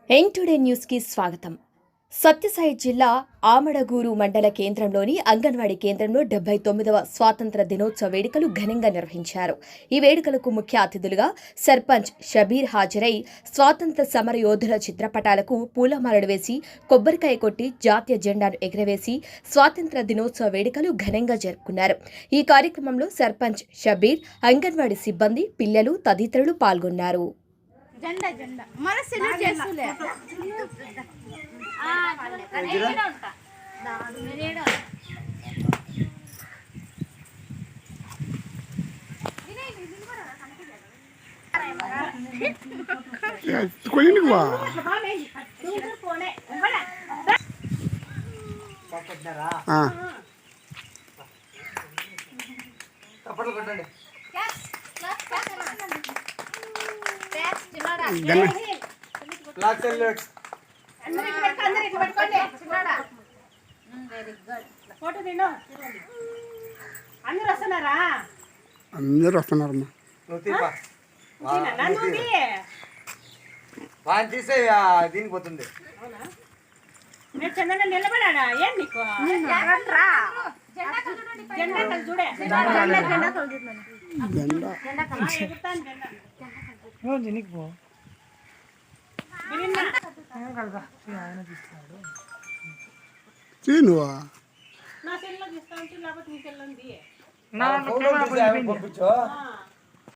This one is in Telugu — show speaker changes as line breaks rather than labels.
ఎన్ టుడే న్యూస్కి స్వాగతం. సత్యసాయి జిల్లా ఆమడగూరు మండల కేంద్రంలోని అంగన్వాడీ కేంద్రంలో 79వ స్వాతంత్ర దినోత్సవ వేడుకలు ఘనంగా నిర్వహించారు. ఈ వేడుకలకు ముఖ్య అతిథులుగా సర్పంచ్ షబీర్ హాజరై స్వాతంత్ర సమర యోధుల చిత్రపటాలకు పూలమాలలు వేసి కొబ్బరికాయ కొట్టి జాతీయ జెండాను ఎగురవేసి స్వాతంత్ర దినోత్సవ వేడుకలు ఘనంగా జరుపుకున్నారు. ఈ కార్యక్రమంలో సర్పంచ్ షబీర్, అంగన్వాడీ సిబ్బంది, పిల్లలు తదితరులు పాల్గొన్నారు.
జెండా జెండా మన సెల్యూట్ చేస్తులే
అందరూ వస్తున్నారమ్మా.
తీసే దీనికి పోతుంది.
నిలబడా ఏం నీకు
నువ్వా
నా సెల్లో తీస్తా ఉంటే లేకపోతే నీ సెల్లో ఉంది.
పంపించు.